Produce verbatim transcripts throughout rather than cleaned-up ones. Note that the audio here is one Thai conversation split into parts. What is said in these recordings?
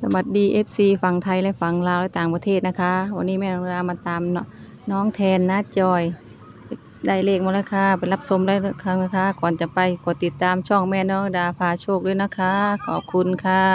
สวัสดี เอฟ ซี ฝั่งไทยและฝั่งลาวและต่างประเทศนะคะวันนี้แม่นางดามาตามน้องแทนนะจอยได้เลขมาแล้วค่ะไปรับชมได้ครั้งนะคะก่อนจะไปกดติดตามช่องแม่น้องดาพาโชคด้วยนะคะขอบคุณค่ะ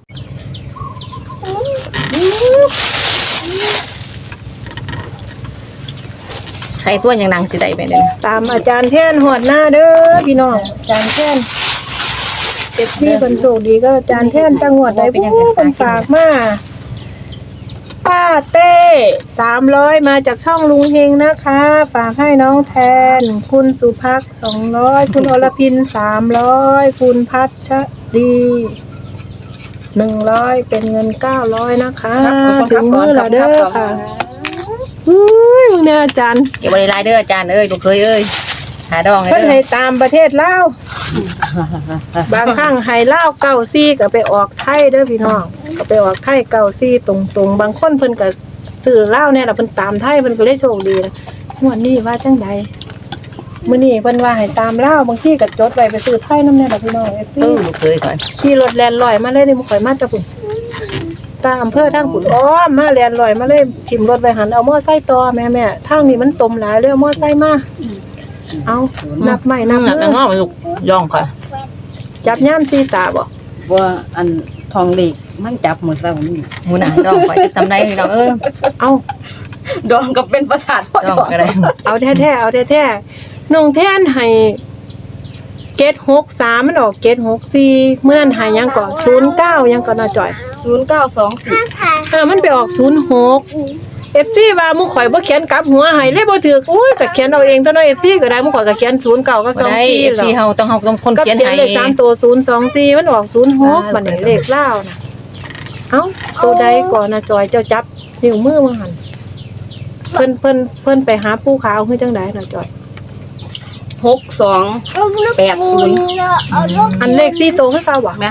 ใครตัวยังนางสิได้ไปเลยตามอาจารย์แท่นหอดหน้าเด้อพี่น้องอาจารย์แท่นเจ็บที่คนโชคดีก็อาจารย์แท่นจังหวัดใดผู้คนฝากมาป้าเต้สามร้อยมาจากช่องลุงเฮงนะคะฝากให้น้องแทนคุณสุภักสองร้อยคุณอรพินสามร้อยคุณพัชรีหนึ่งร้อยเป็นเงินเก้าร้อยนะคะถึงมือละเด้อค่ะอุ้ยมึงเนี่ยอาจารย์เก็บบริไลเด้ออาจารย์เอ้ยลูกเคยเอ้ยหาดองเพิ่นให้ตามประเทศลาวบางครั้งให้ลาวเก้าซี่ก็ไปออกไทยเด้อพี่น้องก็ไปออกไทยเก้าซี่ตรงๆบางคนเพิ่นก็ซื้อลาวเนี่ยล่ะเพิ่นตามไทยเพิ่นก็เลยโชคดีนะงวดนี้ว่าจังใดมื้อนี้เพิ่นว่าให้ตามลาวบางทีก็จดไว้ไปซื้อไทยนำแน่ล่ะพี่น้อง เอฟ ซีเออลูกเคยก่อนขี่รถแล่นลอยมาเลยนี่บ่ค่อยมาแต่พุ่นตามอำเภอทางพุ่นอ้อมมาแล่นลอยมาเลยทิ่มรถไว้หันเอามอไซค์ต่อแม่ๆทางนี้มันตมหลายเลยเอามอไซค์มาเอานับใหม่นับนับงอมันลูกย่องค่ะจับย่ามซีตาบ่ว่าอันทองเหล็กมันจับหมดแล้วนี่หมูหนาดองข่อยจะทำได้พี่น้องเออเอาดองก็เป็นประสาทดองก็ได้เอาแท้ๆเอาแท้ๆน้องแท่นให้เกตหกสามมันออกเกตหกสี่เมื่อนั้นให้ยังก่อนศูนย์เก้ายังก่อนน่ะจ่อยศูนย์เก้าสองสี่อ่ามันไปออกศูนย์หกเอฟซีว่ามุข่อยบ่เขียนกลับหัวให้เลยบ่ถูกโอ้ยก็เขียนเอาเองตัวน้อย เอฟ ซี ก็ได้มุข่อยก็เขียนศูนย์เก้าก็สองสี่เอฟ ซี เฮาต้องเฮาต้องคนเขียนให้เลขสามตัวศูนย์สองสี่มันออกศูนย์หกบัดนี้เลขลาวน่ะเอ้าตัวใดก่อนน่ะจอยเจ้าจับนิ้วมือมาหั่นเพิ่นเพิ่นเพิ่นไปหาปู่ขาวคือจังได๋น่ะจอยหกสองแปดศูนย์อันเลขสี่ตัวคือเก่าบ่แม่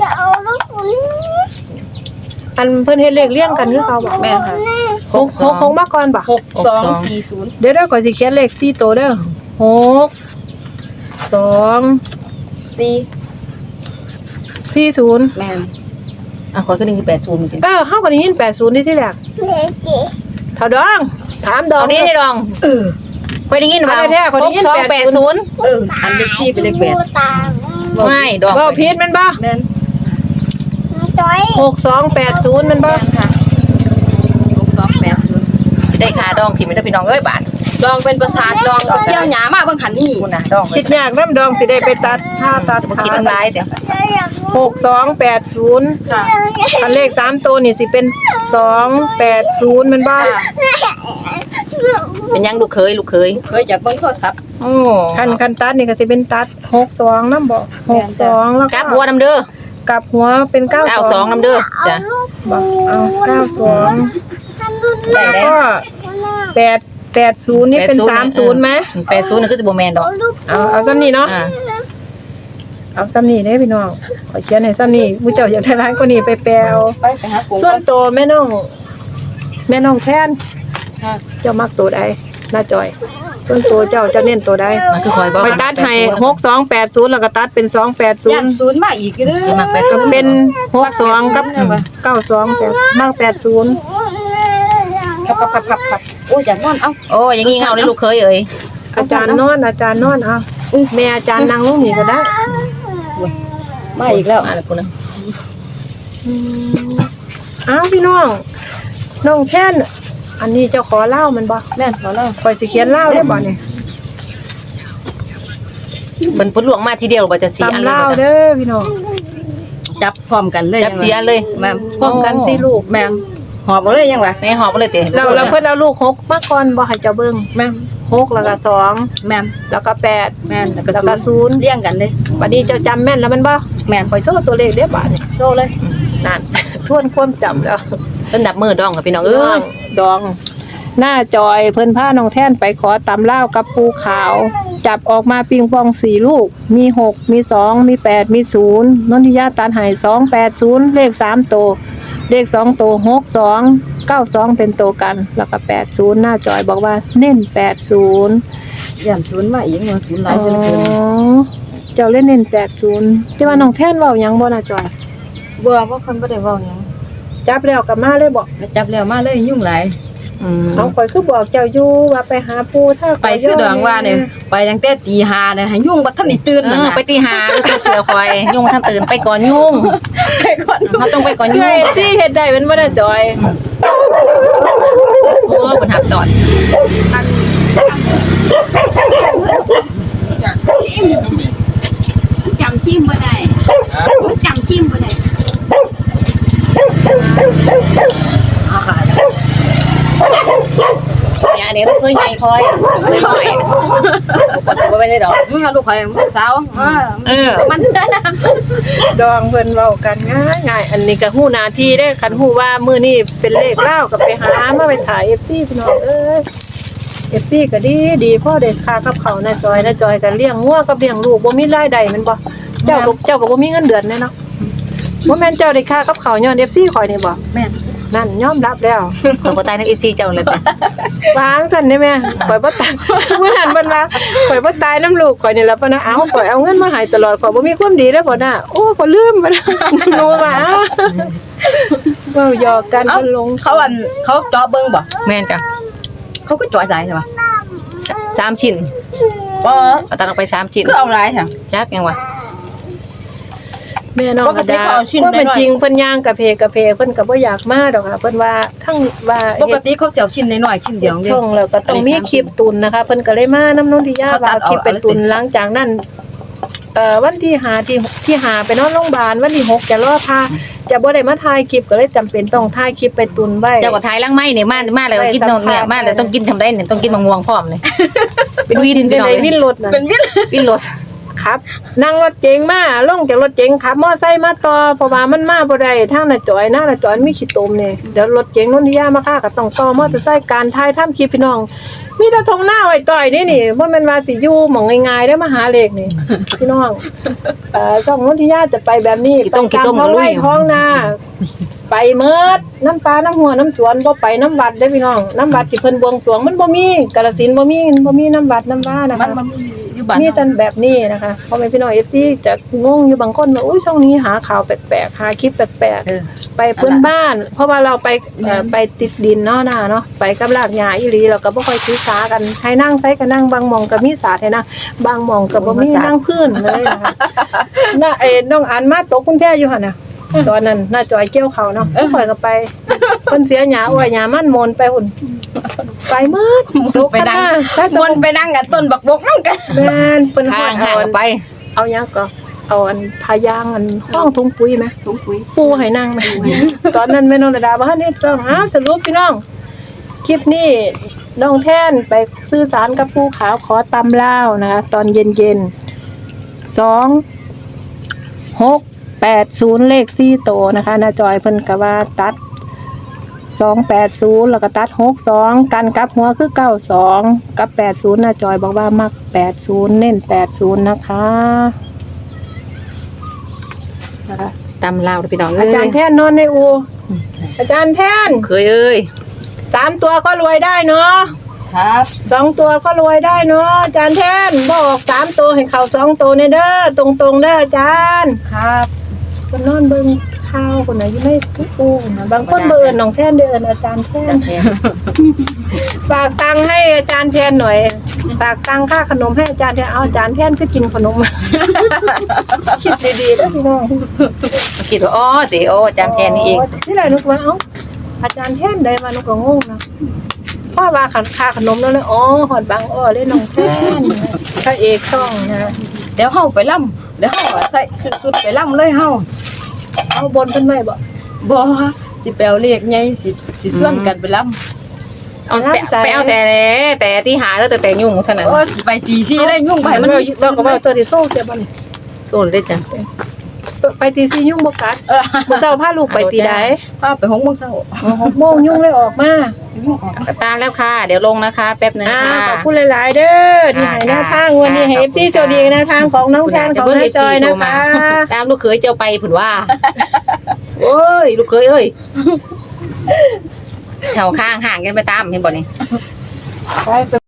อันเพิ่นเฮ็ดเลขเรียงกันคือเก่าบ่แม่ค่ะหกหกหกมาก่อนบ่หกสองสี่ศูนย์เดี๋ยวๆก่อนสิเขียนเลขสี่ตัวเด้อหกสองสี่สี่ศูนย์แม่อ่ะข่อยก็นึกคือแปดศูนย์เหมือนกันเออเฮาก็ได้ยินแปดศูนย์นี่ที่แรกเท่าดองถามดองนี่ดองเออข่อยได้ยินว่าหกสองแปดศูนย์เอออันเลขสี่เป็นเลขแปดไม่ดองบ่ผิดแม่นบ่แม่นหกสองแปดศูนย์แม่นบ่ค่ะหกสองแปดศูนย์ได้ค่าดองที่มันได้พี่น้องเอ้ยบาทดองเป็นประสาทดองเกี่ยวหยามาเบิ่งหันนี่คุณน่ะดองคิดยากนำดองสิได้ไปตัดถ้าตัดบ่คิดหลายเด้อหกสองแปดศูนย์ค่ะอันเลขสามตัวนี่สิเป็นสองแปดศูนย์แม่นบ่เป็นยังลูกเคยลูกเคยเคยจากเบิ่งโทรศัพท์โอ้คันคันตัดนี่ก็สิเป็นตัดหกสองนำบ่หกสองแล้วก็กลับหัวนำเด้อกับหัวเป็นเก้าสองนำเด้อจ้ะบ่เอาเก้าสองแล้วก็แปด แปดศูนย์นี่เป็นสามศูนย์มั้ยแปดศูนย์นี่คือสิบ่แม่นดอกเอาเอาซ้ำนี่เนาะเอาซ้ำนี่เด้พี่น้องขอเขียนให้ซ้ำนี่ผู้เจ้าอยากได้หลายกว่านี้ไปแปลวส่วนตัวแม่น้องแม่น้องแทนเจ้ามักตัวใดน้าจอยส่วนตัวเจ้าจะเน้นตัวใดมันคือคอยบ่ไปตัดให้หกสองแปดศูนย์แล้วก็ตัดเป็นสองแปดศูนย์ย่านศูนย์มาอีกเด้อมักแปดศูนย์เป็นหกสองกับเก้าสองแปดมักแปดศูนย์ครับๆๆๆโอ้ยอยากนอนเอ้าโอ้ยอย่างงี้เงาเลยลูกเคยเอ้ยอาจารย์นอนอาจารย์นอนเอาแม่อาจารย์นั่งลงนี่ก็ได้มาอีกแล้วมาแล้วพุ่นน่ะอ้าวพี่น้องน้องแท่นอันนี้เจ้าขอเล่ามันบ่แม่นขอเล่าข่อยสิเขียนเล่าได้บ่นี่มันพุ่นหลวงมาทีเดียวบ่จะสี่อันเลยเล่าเด้อพี่น้องจับพร้อมกันเลยจับสี่อันเลยแม่พร้อมกันสิลูกแม่หอบบ่เลยยังวะแม่หอบบ่เลยติเราเราเพิ่นเอาลูกหกมาก่อนบ่ให้เจ้าเบิ่งแม่หกแล้วก็สองแม่แล้วก็แปดแม่แล้วก็ศูนย์เรียงกันเลยบัดนี้เจ้าจำแม่นแล้วมันบ่แม่ข่อยโซ่ตัวเลขเด้อบัดนี้โซ่เลยนั่นทวนความจำแล้วเพิ่นนับมือดองกับพี่น้องเอ้ยดองหน้าจอยเพิ่นพาน้องแท่นไปขอตำลาวกับปูขาวจับออกมาปิงปองสี่ลูกมีหกมีสองมีแปดมีศูนย์นนทิยาตันให้สองแปดศูนย์เลขสามตัวเลขสองตัวหกสองเก้าสองเป็นตัวกันแล้วก็แปดศูนย์หน้าจอยบอกว่าเน้นแปดศูนย์ย่านศูนย์มาอีกเงินศูนย์หลายเพิ่นเพิ่นเจ้าเล่นเน้นแปดศูนย์ที่ว่าน้องแท่นเว้าหยังบ่หน้าจอยบ่บ่คนบ่ได้เว้าหยังจับแล้วก็มาเลยบอกแล้วจับแล้วมาเลยยุ่งหลายอืมเอาข่อยคือบอกเจ้าอยู่ว่าไปหาปูถ้าไปคือดองว่าเนี่ยไปตั้งแต่ตีห้าเนี่ยให้ยุ่งบ่ทันได้ตื่นเอนั่นอน่ะไปตีหาแล้วคือเสือคอยยุ่งท่านตื่นไปก่อนยุ่งไปก่อนเขาต้องไปก่อนเฮ้ยุ่งยสิเฮ็ดได้มันบ่ได้จอยโอ้บนหับดอนจำชิมบ่ได้จำชิมบ่ได้เนี่ยอันนี้ลูกเคยใหญ่คอยเคยหน่อยปวดจะไม่ได้ดอกยุ่งกับลูกข่อยลูกสาวเออมันดองเพิ่นเว้ากันง่ายง่ายอันนี้ก็ฮู้หน้าที่ได้คันฮู้ว่ามื้อนี้เป็นเลขลาวก็ไปหามาไปถ่าย เอฟ ซี พี่น้องเอ้ย เอฟ ซี ก็ดีดีพ่อได้ค่ากับเขาวนะจอยนะจอยก็เลี้ยงงัวกับเลี้ยงลูกบ่มีรายได้แม่นบ่เจ้าก็เจ้าก็บ่มีเงินเดือนแน่เนาะบ่แม่นเจ้าได้ค่ากับเขาวย้อน เอฟ ซี ข่อยนี่บ่แม่นนั่นยอมรับแล้วเขาก็ตายในเอฟซีเจ้าเลยแต่วางซั่นได้แม่ข่อยบ่ตายมื้อนั้นเพิ่นว่าข่อยบ่ตายน้ำลูกข่อยนี่ล่ะปะนะเอ้าข่อยเอาเงินมาให้ตลอดข่อยบ่มีความดีเด้อพ่อน่ะโอ้ข่อยลืมปะนะหนูว่าอ้าวเว้าหยอกกันเอ้าเพิ่นลงเขาอันเขาเจาะเบิ่งบ่แม่นจ้ะเขาก็เจาะใจใช่ป่ะสามชิ้นบ่เอาตัดออกไปสามชิ้นคือเอาหลายค่ะจักยังวะแม่น้องปกกระติดาเขาเอาชิ้นว่าเป็นน้อยๆจริงเพิ่นย่างกะเพกะเพเพิ่นก็บ่อยากมาดอกค่ะเพิ่นว่าทั้งว่าปกติเขาจะเอาชิ้นน้อยๆชิ้นเดียวเด้ช่องแล้วก็ต้องมีคลิปตุนนะคะเพิ่นก็เลยมาน้ำนนทิยาเขาตัว่าดออกคลิปเป็นตุนหลังจากนั้นเอ่อวันที่ห้าที่ที่ห้าไปนอนโรงพยาบาลวันที่หกจะรอพาจะบ่ได้มาถ่ายคลิปก็เลยจำเป็นต้องถ่ายคลิปไปตุนไว้เจ้าก็ทายล่างไม้เนี่ยมามาเลยกินนมเนี่ยมาเลยต้องกินทำได้เนี่ยต้องกินมะม่วงพร้อมเลยเป็นวินเป็พี่นน้องไอ้เลวิยนรถน่ะเป็นวินวินรถครับนั่งรถเก๋งมาลงจากรถเก๋งขับมอไซค์มาต่อเพราะว่ามันมาบ่ได้ทางน่ะจอยหน้าน่ะจอยมีขี้ตมนี่เดี๋ยวรถเก๋งนนทิยามาค่าก็ต้องต่อมอเตอร์ไซค์การถ่ายทำคลิปพี่น้อง มีแต่ทงหน้าไว้ต่อยนี่นี่บ่แม่นว่าสิอยู่หม่องง่ายๆได้อมาหาเลขนี่ พี่น้องเอ่อช่องนนทิยาจะไปแบบนี้ไปตามท้องไร่ท้องนาไปเมิดน้ำปลาน้ำหัวน้ำสวนบ่ไปน้ำวัดเด้อพี่น้องน้ำวัดที่เพิ่นบวงสรวงมันบ่มีกาฬสินธุ์บ่มีบ่มีน้ำวัดน้ำว่านะมัคะนบ่มีอยู่บ้านมีแต่แบบนี้นะคะพ่อแม่พี่น้อง เอฟ ซี จะงงอยู่บางคนว่าอุ้ยช่องนี้หาข่าวแปลกๆหาคลิปแปลกเออๆไปเพื่อนบ้าน เพราะว่าเราไปเอ่อไปติดดินเนาะน่ะเนาะไปกับรากหญ้าอีหลีเราก็บ่ค่อยถือสากันให้นั่งไสก็นั่งบางหม่องก็มีสาให้นั่งบางหม่องก็บ่มีนั่งพื้นเลยนะคะน่ะไอ้น้องอันมาตกกรุงเทพอยู่หั่นน่ะตอนนั้นน่าจอยเกี่ยวเขาวเนาะข่อยก็ไปเพิ่นเสียหญ้าอ้อยหญ้ามันมนไปหุ่นไปหมดตกไปกันนั่งนะถ้าตมกนไปนั่งกันต้นบักบกนำกันแม่นเพิ่นฮอห่าดงห่าเอางอันไปเอาหยังก็เอาอันพายางอันห้องถุงปุ๋ยไหมถุงปุ๋ยปูให้นั่งไหมตอนนั้นแม่น้องระดาบ่ทันเฮ็ดซ่องหาสรุปพี่น้อง คลิปนี้น้องแท่นไปสื่อสารกับผู้ขาวขอตำลาวนะคะตอนเย็นๆสองหกแปดศูนย์เลขสี่โตวนะคะนาจอยเพิ่นก็ว่าตัดสองแปดศูนย์แล้วก็ตัดหกสองกันกลับหัวคือเก้าสองกับแปดศูนย์นาจอยบอกว่ามักแปดศูนย์เน้นแปดศูนย์นะคะนะคะตำลาวพี่น้องเอ้อาย จารย์แท่นนอนในอูอาจารย์แท่นเคยเอ้ยสามตัวก็รวยได้เนาะครับสองตัวก็รวยได้เนาะอาจารย์แท่นบอกสามตัวให้เขาสองตัวเนี่ยเด้อตรงๆเด้ออาจารย์ครับคนนอนเบิ่งข้าวคนไหนยังไม่ปูนะบางคนเบิ่นน้องแท่นเดินอาจารย์แท่นจันแทนฝากตังค์ให้อาจารย์แทนหน่อยฝากตังค่าขนมให้อาจารย์แทนเอาอาจารย์แทนคือกินขนม คิดดีๆเด้อพี่น้องคิดว่าอ๋อสิโอ้อาจารย์แทนนี่เองนี่แหละนุกว่าเอ้าอาจารย์แทนได้มานุกก็งงนะพ่อว่าขันค่าขนมแล้วเลยอ๋อหอดบางอ้อเลยน้องแทนพระเอกช่องนะเดี๋ยวเฮาไปล่ำเดี๋ยวเฮาใส่สุดๆไปล่ำเลยเฮาเอาบนเพิ่นไว้บ่บ่สิไปเอาเลขใหญ่สิสิส่วนกันไปล่ำเอาไปไปเอาแต่แต่ที่หาแล้วแต่แต่ยุ่งเท่านั้นโอ้ยไปตีซี่เลยยุ่งไปมันเราก็ว่าตัวที่โซ่เจ็บบ่นี่โซนได้จ้ะไปตีสี่ยุ่งบ่กัดเออมื้อเช้าพาลูกไปตีใดพาไปหกโมงเช้าหกโมงยุ่งเลยออกมากระตาแล้วค่ะ เดี๋ยวลงนะคะ แป๊บนึงอ่าค่ะขอบคุณหลายๆเด้อที่ให้แนวทางวันนี้ให้ เอฟ ซี โชคดีแนวทางของน้องแทนของน้าจอยนะคะตามลูกเขยเจ้าไปผุนว่า โอ้ย ลูกเขยเอ้ยแถวข้างห่างกันไปตามเห็นบ่นี่ไปไป